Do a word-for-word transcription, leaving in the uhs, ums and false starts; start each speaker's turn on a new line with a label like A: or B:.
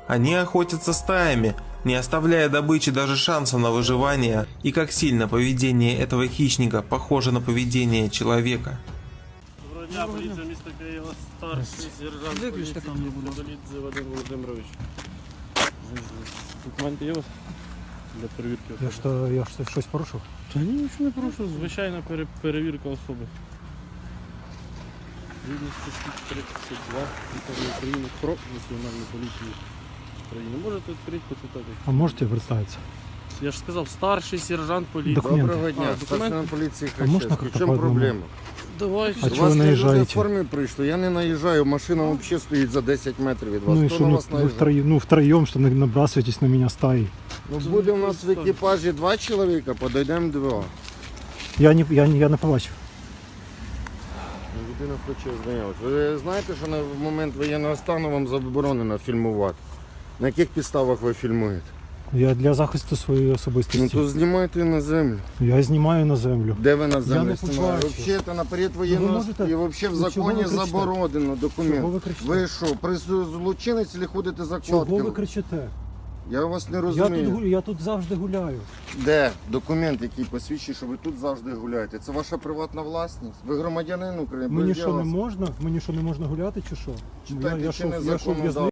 A: Они охотятся стаями, не оставляя добычи даже шанса на выживание, и как сильно поведение этого хищника похоже на поведение человека.
B: Доброго дня, поліція міста Києва, старший сержант поліції Долідзе Вадим Володимирович. Документи є у вас для перевірки особи?
C: Я що, я що, щось порушив?
B: Та ні, нічого не порушив, звичайна пере- перевірка особи. Згідно статті тридцять два Закону України про національну поліцію України. Можете відкрити, почитати.
C: А можете представитися?
B: Я ж сказав, старший сержант поліції.
C: Документи.
D: Доброго дня,
B: А, документи?
D: старшина поліції
C: А можна
D: Хрещевський. В
C: как-то
D: чому
C: по одному?
D: проблема?
B: Давай.
C: А
D: До
C: чого ви
D: вас не люди в
C: наїжджаєте?
D: формі прийшли, я не наїжджаю, машина взагалі стоїть за десять метрів від вас.
C: Ну и
D: Хто
C: что,
D: на
C: ну,
D: вас
C: вы
D: наїжджає?
C: втроем, ну втроем, что на- набрасываетесь на меня стаей?
D: Ну, буде у нас в екіпажі два чоловіка, подійдемо два.
C: Я не, я, не- я не побачив.
D: Ну, людина хоче знайомитися. Ви знаєте, що на момент воєнного стану вам заборонено фільмувати? На яких підставах ви фільмуєте?
C: Я для захисту своєї
D: Ну
C: особистості.
D: то знімайте на землю.
C: Я знімаю на землю.
D: Де ви на
C: Я
D: землю
C: не
D: знімаєте?
C: побачив.
D: Взагалі, це наперед воєнного
C: можете-
D: стану. І взагалі в
C: Ну, чого
D: законі
C: ви кричите?
D: заборонено
C: Чого
D: документ.
C: ви кричите?
D: Ви що, прису- злочинець чи ходите за
C: Чого ви
D: кладками?
C: кричите?
D: Я вас не
C: Я тут,
D: розумію.
C: гу- я тут завжди гуляю.
D: Де документ, який посвідчує, що ви тут завжди гуляєте? Це ваша приватна власність? Ви громадянин України?
C: Мені
D: без
C: що не
D: діла.
C: можна? Мені що не можна гуляти чи що?
D: Читайте
C: я, я,
D: чинне
C: що, я що,
D: законодавство.
C: в'язницю?